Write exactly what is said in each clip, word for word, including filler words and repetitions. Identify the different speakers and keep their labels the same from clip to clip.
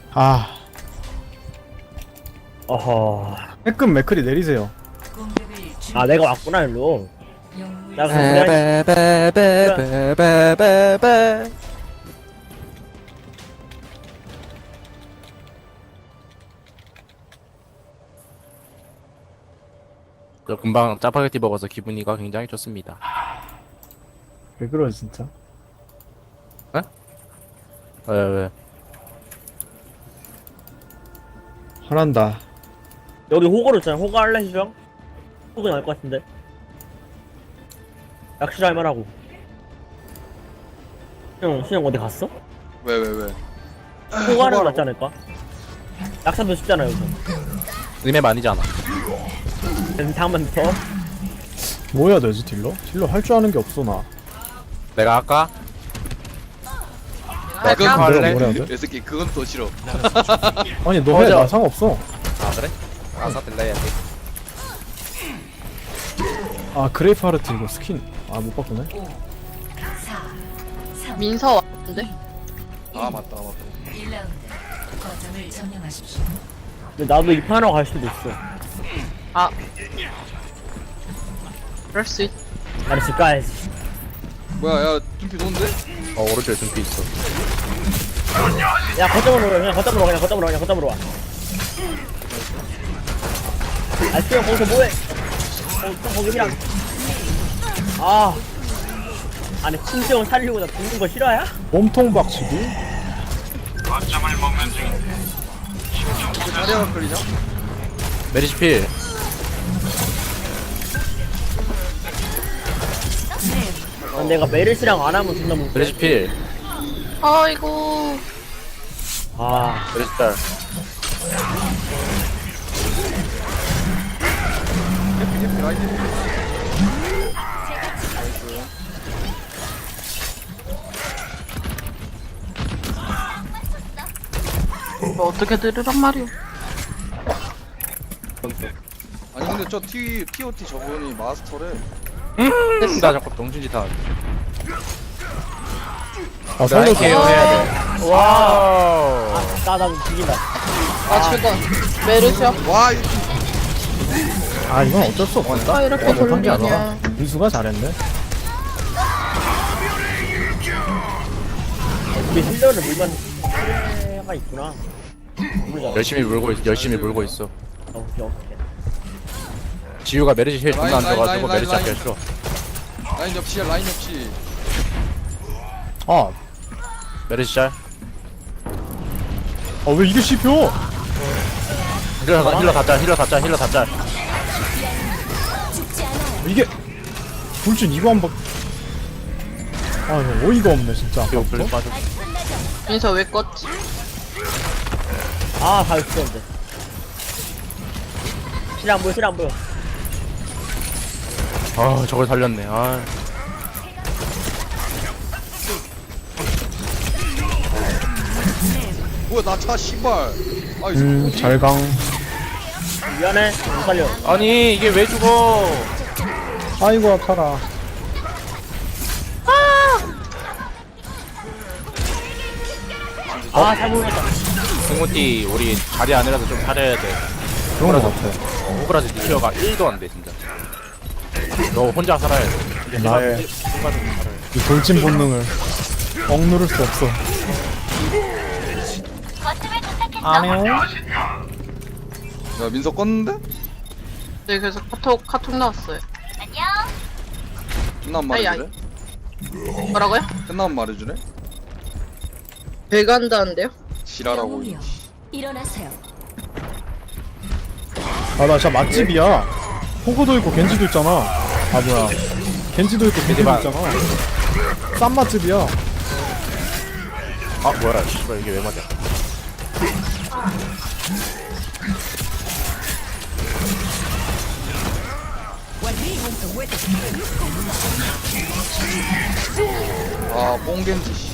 Speaker 1: 아,
Speaker 2: 어허.
Speaker 1: 해금 맥클이 내리세요.
Speaker 2: 아 내가 왔구나 일로. 나 그냥
Speaker 3: 베베베베베베베. 저 금방 짜파게티 먹어서 기분이가 굉장히 좋습니다.
Speaker 1: 왜 그러지 진짜?
Speaker 3: 왜 왜?
Speaker 1: 화난다.
Speaker 2: 여기 호거로 있잖아. 호거 할래 시정? 호거 나을 것 같은데. 낚시를 할 만하고. 형, 시정 어디 갔어?
Speaker 4: 왜 왜 왜?
Speaker 2: 호거 하는 거 낫지 않을까? 낙산도 쉽잖아 여기서.
Speaker 3: 의미 아니잖아.
Speaker 2: 다음번 더.
Speaker 1: 뭐 해야 되지 딜러? 딜러 할 줄 아는 게 없어 나.
Speaker 3: 내가 아까
Speaker 4: 아,
Speaker 3: 그거
Speaker 4: 그건
Speaker 3: 할래?
Speaker 1: 뭐라 해야 돼?
Speaker 4: 이 새끼 그건 또 싫어.
Speaker 1: 아니 너 해.
Speaker 3: 맞아.
Speaker 1: 나 상관없어.
Speaker 3: 아 그래? 아사 될라 해야지.
Speaker 1: 아 그레이프 하르트 이거 스킨 아 못 바꾸네.
Speaker 5: 민서 왔는데?
Speaker 4: 아 맞다 맞다.
Speaker 6: 일 라운드 거점을 점령하십시오.
Speaker 2: 근데 나도 이 판하러 갈 수도 있어.
Speaker 5: 아 그럴 수 있...
Speaker 2: 나는 집 가야지.
Speaker 4: 뭐야 야 둠피 놓은데?
Speaker 3: 어 오른쪽에 등피 있어.
Speaker 2: 야 거점으로 와. 그냥 거점으로 와. 그냥 거점으로 와. 그냥 거점으로 와. 아 시정 거기서 뭐해? 어, 또 거기 그냥. 아. 아니 신지영 살리고 나 죽는 거 싫어야?
Speaker 1: 몸통 박치기.
Speaker 4: 자리가 끌리냐?
Speaker 3: 메리시필.
Speaker 2: 아, 내가 메르시랑 안 하면 존나 못.
Speaker 3: 메리시필.
Speaker 5: 아이고
Speaker 2: 아.
Speaker 3: 메리시딸.
Speaker 5: 뭐 어떻게 들으란 말이오.
Speaker 4: 아니 근데 저 T 티오티 저분이 마스터래.
Speaker 3: 음, 나 자꾸 병신짓 하네.
Speaker 1: 아 살려줘.
Speaker 3: 케어 해야 돼. 와우.
Speaker 2: 나나 죽인다.
Speaker 5: 아 지금 메르시아
Speaker 4: 와 이-
Speaker 1: 아 이건 어쩔 수 없어.
Speaker 5: 아 이렇게
Speaker 1: 내가 못한 게
Speaker 5: 돌리냐.
Speaker 1: 아니라 민수가 잘했네.
Speaker 2: 우리 힐러를 물만 해가 있구나. 물자.
Speaker 3: 열심히 물고 있, 열심히 물고 있어.
Speaker 2: 어, 오케이 오케이.
Speaker 3: 지우가 메리시 힐 존나 안
Speaker 4: 라인,
Speaker 3: 줘가지고
Speaker 4: 라인,
Speaker 3: 메리시
Speaker 4: 라인,
Speaker 3: 잡기가 싫어.
Speaker 4: 라인 옆치야 라인 옆치.
Speaker 1: 아,
Speaker 3: 메리시 짤.
Speaker 1: 아 왜 이게 씹혀?
Speaker 3: 힐러 다- 힐러 다 짤, 힐러 다 짤, 힐러 다 짤.
Speaker 1: 이게 불진 이거 한 번. 아 이거 어이가 없네 진짜.
Speaker 3: 이거 불 빠져.
Speaker 5: 민서 왜 껐지?
Speaker 2: 아, 다 있었는데. 실 안 보여, 실 안 보여.
Speaker 3: 아 저걸 살렸네. 아.
Speaker 4: 뭐야 나 차 씨발. 아 이거
Speaker 1: 음 잘강.
Speaker 2: 미안해, 못 살려.
Speaker 3: 아니 이게 왜 죽어?
Speaker 1: 아이고 아파라.
Speaker 2: 아, 잘 모르겠다.
Speaker 3: 승무띠 우리 자리 안이라서 좀 잘해야 돼.
Speaker 1: 그런 거 같아.
Speaker 3: 어, 호그라지 니티어가 일도 안 돼 진짜. 너 혼자 살아야 돼. 이제
Speaker 1: 나의-
Speaker 3: 힐 받으면 살아야 돼.
Speaker 1: 이 돌진 본능을 억누를 수 없어. 아니요.
Speaker 4: 야 민석 껐는데?
Speaker 5: 네 그래서 카톡 카톡 나왔어요.
Speaker 4: 끝나면
Speaker 5: 아이,
Speaker 4: 말해주래?
Speaker 5: 뭐라고요?
Speaker 4: 끝나면 말해주래?
Speaker 5: 배 간다는데요?
Speaker 4: 지랄하고.
Speaker 6: 영웅이여, 일어나세요.
Speaker 1: 아 나 진짜 맛집이야. 호구도 있고 겐지도 있잖아. 아 뭐야. 겐지도 있고 겐지도
Speaker 3: 겐지만.
Speaker 1: 있잖아. 싼 맛집이야.
Speaker 3: 아 뭐야 씨발 이게 왜 맞아?
Speaker 4: 아 뽕겐지 씨.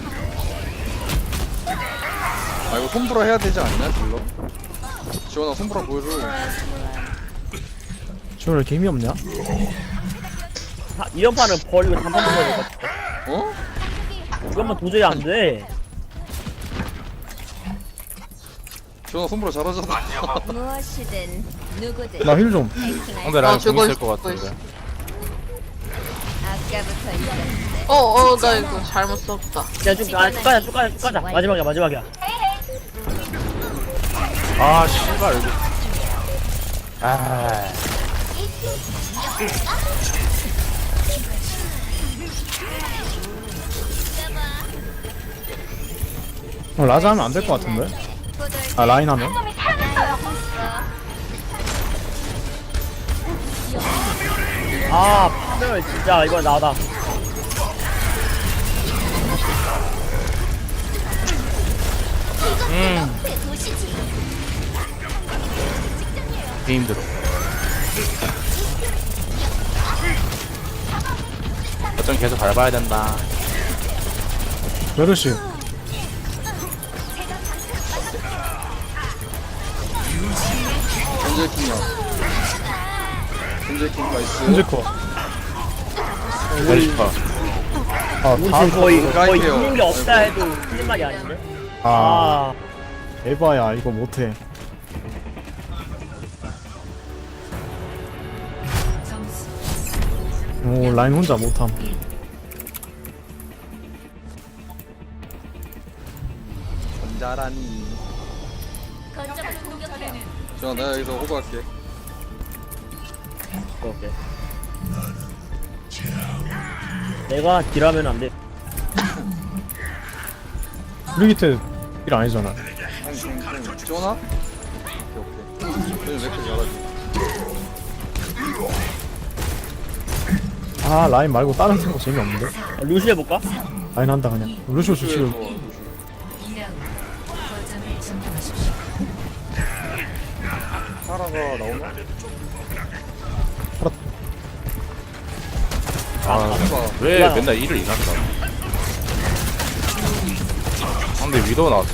Speaker 4: 아 이거 손브라 해야 되지 않냐 딜러? 지원아 손브라 보여줘.
Speaker 1: 지금 왜 이렇게 힘이 없냐?
Speaker 2: 아, 이런 판은 버리고 단판 붙여야 될 것 같아.
Speaker 4: 어?
Speaker 2: 이런 판 도저히 안 돼.
Speaker 4: 지원아 손보라 잘하잖아.
Speaker 6: 무엇이든 누구든
Speaker 1: 나 힐 좀.
Speaker 3: 근데 라인
Speaker 5: 죽어
Speaker 3: 공 있을
Speaker 5: 있어,
Speaker 3: 것
Speaker 5: 죽어
Speaker 3: 같은데.
Speaker 6: 아까부터 있었는데
Speaker 5: 어어 나 이거 잘못 썼다.
Speaker 2: 야, 쭉, 아, 쭉 가자, 쭉 가자, 쭉 가자. 마지막이야, 마지막이야.
Speaker 3: 아 씨발 여기. 아.
Speaker 1: 어, 라자 하면 안 될 것 같은데? 아 라인 하면?
Speaker 2: 아, 파멸 진짜 이거 나다.
Speaker 3: 개 힘들어. 어쩜 계속 밟아야 된다.
Speaker 1: 메르시.
Speaker 4: 현재 킹이야. 현재 킹 나이스.
Speaker 1: 현재커.
Speaker 3: 메리시파.
Speaker 1: 아,
Speaker 2: 우리
Speaker 1: 다,
Speaker 2: 지금 거의, 거의
Speaker 4: 라이트요.
Speaker 2: 죽는 게 없다 해도 틀린 말이 아닌데?
Speaker 1: 아,
Speaker 2: 아,
Speaker 1: 에바야, 이거 못해.
Speaker 6: 점수
Speaker 1: 오, 라인 혼자 못함.
Speaker 4: 잘하니.
Speaker 6: 거점을 공격해요.
Speaker 4: 지원아 내가 여기서 호구할게.
Speaker 2: 오케이. 내가 딜하면 안 돼.
Speaker 1: 브리기트 일 아니잖아.
Speaker 4: 응, 지원아? 오케이 오케이. 왜 이렇게 잘하지?
Speaker 1: 아, 라인 말고 다른 거 재미없는데?
Speaker 2: 어, 루시 해볼까?
Speaker 1: 라인 한다, 그냥. 루시오
Speaker 4: 그래,
Speaker 1: 주시오.
Speaker 4: 좋아, 루시.
Speaker 6: 이 라운드 거점을 점령하십시오.
Speaker 4: 사라가 나오나?
Speaker 3: 아, 왜
Speaker 2: 야.
Speaker 3: 맨날 일을 이상하다. 아, 근데 위도우 나왔어.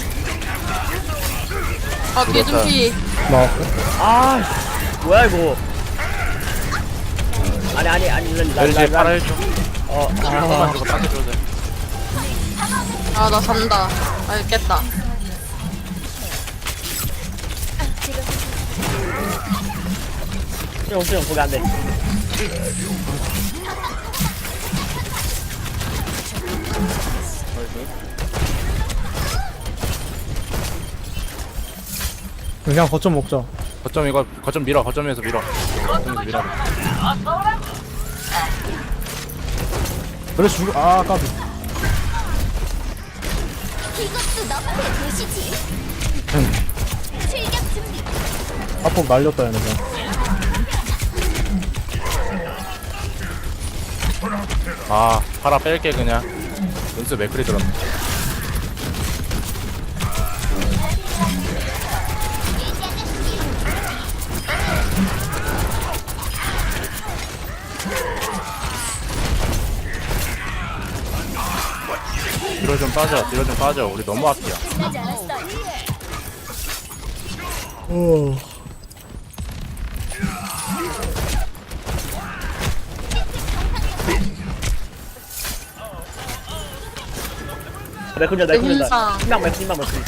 Speaker 5: 아 뒤에 준비.
Speaker 1: 나왔고.
Speaker 2: 아, 뭐야 이거? 아니 아니 아니 란, 란,
Speaker 3: 메리시
Speaker 2: 란,
Speaker 3: 팔아
Speaker 2: 란.
Speaker 3: 해줘.
Speaker 2: 어,
Speaker 3: 한번
Speaker 2: 아,
Speaker 3: 주고 딴데 줘도 돼.
Speaker 5: 아 나 산다. 아 깼다.
Speaker 2: 수영 수영 거기 안 돼.
Speaker 1: 그냥 거점 먹자.
Speaker 3: 거점 이거 거점 밀어. 거점에서 밀어. 거점에서 밀어.
Speaker 1: 메르시 죽어. 아, 까비.
Speaker 6: 이것도 너의 도시지. 출격 준비.
Speaker 1: 아폭 날렸다, 얘네. 그냥.
Speaker 3: 아 팔아 뺄게 그냥. 연수 맥크리 들었네. 뒤로 좀 빠져. 뒤로 좀 빠져. 우리 너무 앞이야.
Speaker 6: 끝나지 않았어.
Speaker 1: 어.
Speaker 2: 맥클린다 맥클린다.
Speaker 5: 인상.
Speaker 2: 희망 맥클 희망 맥클.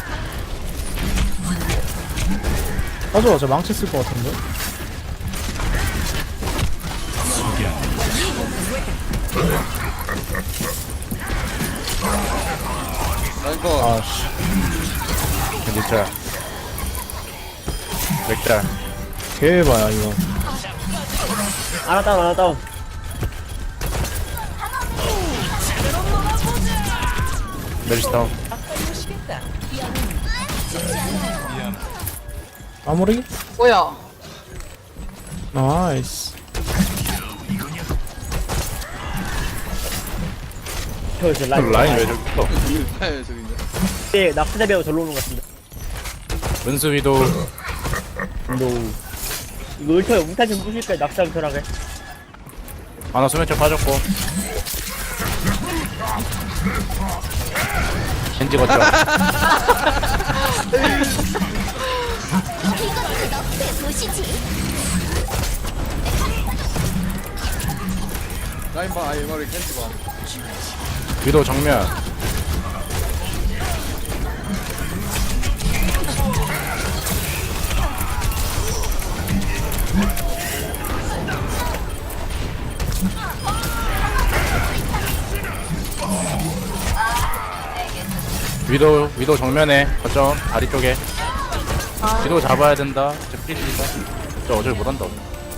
Speaker 1: 빠져, 저 망치 쓸 것 같은데?
Speaker 4: 라인 컷.
Speaker 1: 아씨.
Speaker 3: 진짜. 맥달.
Speaker 1: 개해봐야, 이거.
Speaker 2: 하나 다운 하나 다운.
Speaker 3: 메리시 다운.
Speaker 1: 아무리?
Speaker 5: 뭐야?
Speaker 1: 나이스.
Speaker 2: 저 이제 라인.
Speaker 3: 라인 왜 저기 있어?
Speaker 4: 네, 저기 있네.
Speaker 2: 네, 낙스대 배우 절로 오는 것 같은데.
Speaker 3: 은수 위도.
Speaker 2: 노. 이거 울터에 울타 좀 부실까요? 낙사 불편하게.
Speaker 3: 하나 수면체 빠졌고. 겐지 거쳐.
Speaker 6: 이것도 너의 도시지.
Speaker 4: 라인 봐, 아이 머리 캔지 봐.
Speaker 3: 위도 정면. 위도 위도 정면에 거점 다리 쪽에 위도 잡아야 된다. 저 필이다. 저 어쩔 못한다.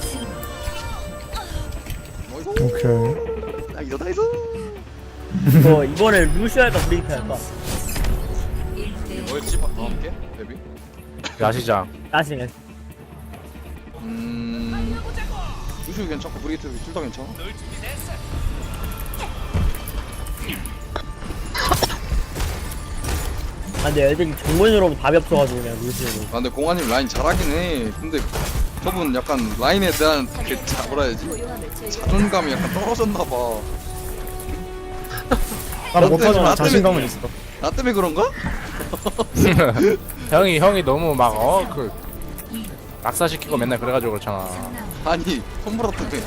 Speaker 1: 오케이.
Speaker 4: 나 이러다 이러.
Speaker 2: 이거 이번에 루시 할까 브레이크 할까?
Speaker 4: 뭐였지? 바- 다음 게? 데뷔?
Speaker 3: 야시장.
Speaker 2: 나중에
Speaker 4: 음. 루시우 괜찮고 브리기트 둘 다 괜찮아?
Speaker 2: 아 근데 애들이 정면으로 오면 답이 없어가지고 그냥 루시는
Speaker 4: 아 근데 공아님 라인 잘하긴 해. 근데 저분 약간 라인에 대한 그 자, 뭐라 해야지? 자존감이 약간 떨어졌나 봐.
Speaker 1: 나
Speaker 4: 나
Speaker 1: 못하지만
Speaker 4: 때문에-
Speaker 1: 자신감은 있어.
Speaker 4: 나 때문에 그런가?
Speaker 3: 형이 형이 너무 막 어 그 낙사시키고 맨날 그래가지고 그렇잖아.
Speaker 4: 아니 손보라 때문에.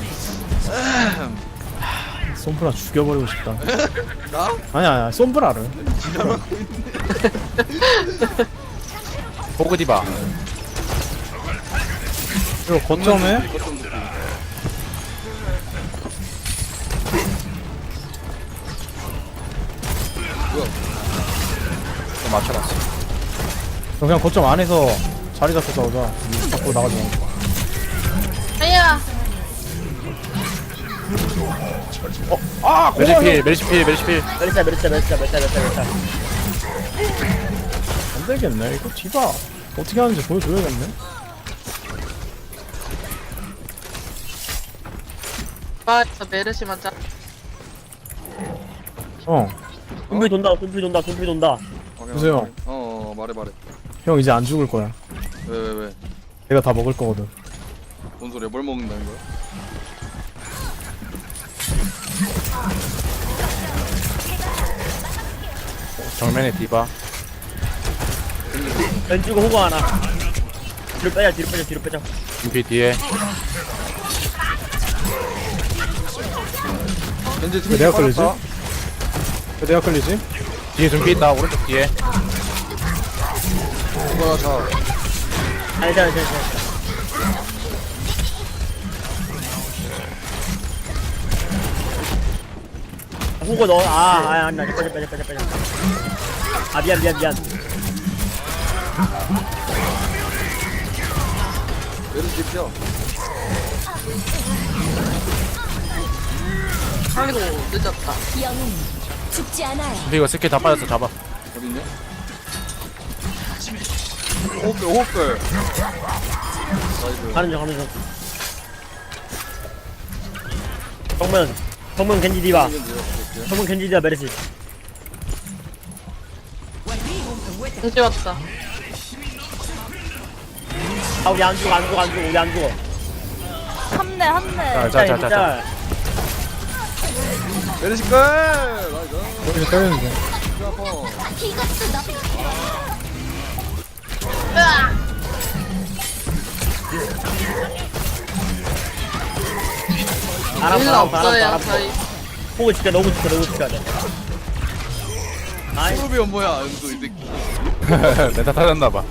Speaker 1: 솜브라 죽여버리고 싶다.
Speaker 4: 나?
Speaker 1: 아니야, 아니야, 솜브라를.
Speaker 4: 지랄하고 있네.
Speaker 3: 호그디바.
Speaker 1: 그리고 거점에
Speaker 4: 이것 좀 듣고. 뭐야?
Speaker 3: 좀 맞춰놨어.
Speaker 1: 그냥 거점 안에서 자리 잡고 싸우자. 밖으로 나가지 말고.
Speaker 5: 아야.
Speaker 1: 아,
Speaker 3: 멜시필 멜시필 멜시필.
Speaker 2: 메르시아 메르시아 메르시아 메르시아 메르시아 메르시아
Speaker 1: 안 되겠네. 이거 디바 어떻게 하는지 보여줘야겠네.
Speaker 5: 아, 저 메르시 맞자.
Speaker 1: 어,
Speaker 2: 돈비 돈다 돈비 돈다 돈비 돈다
Speaker 4: 확인하고.
Speaker 1: 보세요.
Speaker 4: 어, 어 말해 말해.
Speaker 1: 형 이제 안 죽을 거야.
Speaker 4: 왜 왜 왜?
Speaker 1: 내가 다 먹을 거거든.
Speaker 4: 뭔 소리야? 뭘 먹는다는 거야?
Speaker 3: 정면에 디바.
Speaker 2: 왼쪽에 호구 하나 뒤로 빼자 뒤로 빼자 뒤로 빼자
Speaker 3: 준비 뒤에.
Speaker 4: 현재
Speaker 1: 왜
Speaker 4: 팀이
Speaker 1: 내가 끌리지?
Speaker 4: 빨랐다.
Speaker 1: 왜 내가 끌리지?
Speaker 3: 뒤에 준비 있다. 오른쪽 뒤에.
Speaker 4: 뭐야 자.
Speaker 2: 아니 잠깐 잠깐 호구 넣어 아아 안나 빼자 빼자 빼자 빼자 아 미안 미안 미안
Speaker 4: 메르시 딥이야.
Speaker 5: 아이고, 늦었다.
Speaker 6: 영웅 죽지 않아요.
Speaker 3: 준비 이거 스킬 다 빠졌어. 잡아.
Speaker 4: 어딨냐? 호흡글 호흡글. 나이스.
Speaker 2: 가는 중 가는 중 정면 정면 겐지 디바 정면 겐지 디바 메르시
Speaker 5: 이제 왔다.
Speaker 2: 아 우리 안 죽어 안 죽어 안 죽어 우리 안 죽어
Speaker 6: 한대 한대.
Speaker 3: 자자자자.
Speaker 2: 진짜
Speaker 4: 메르시 끌. 나이스.
Speaker 1: 여기서 때리는데.
Speaker 4: 진짜 아파.
Speaker 6: 이것도 너.
Speaker 2: 바람
Speaker 5: 일
Speaker 2: 바람 바람
Speaker 5: 없어요,
Speaker 2: 바람
Speaker 5: 저희.
Speaker 2: 호구 지켜 너무 지켜 너무 지켜야 돼 아이
Speaker 4: 수비언 뭐야? 은도 이 새끼.
Speaker 3: 멘탈 타졌나봐.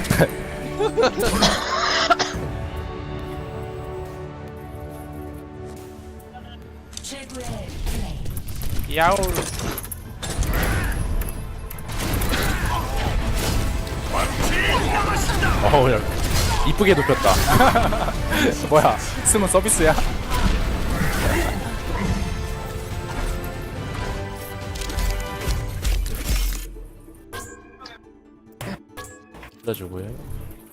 Speaker 6: 최고의 플레이.
Speaker 3: 야우. 어우 야 이쁘게 눕혔다. 뭐야 스문 서비스야? 불러주고요.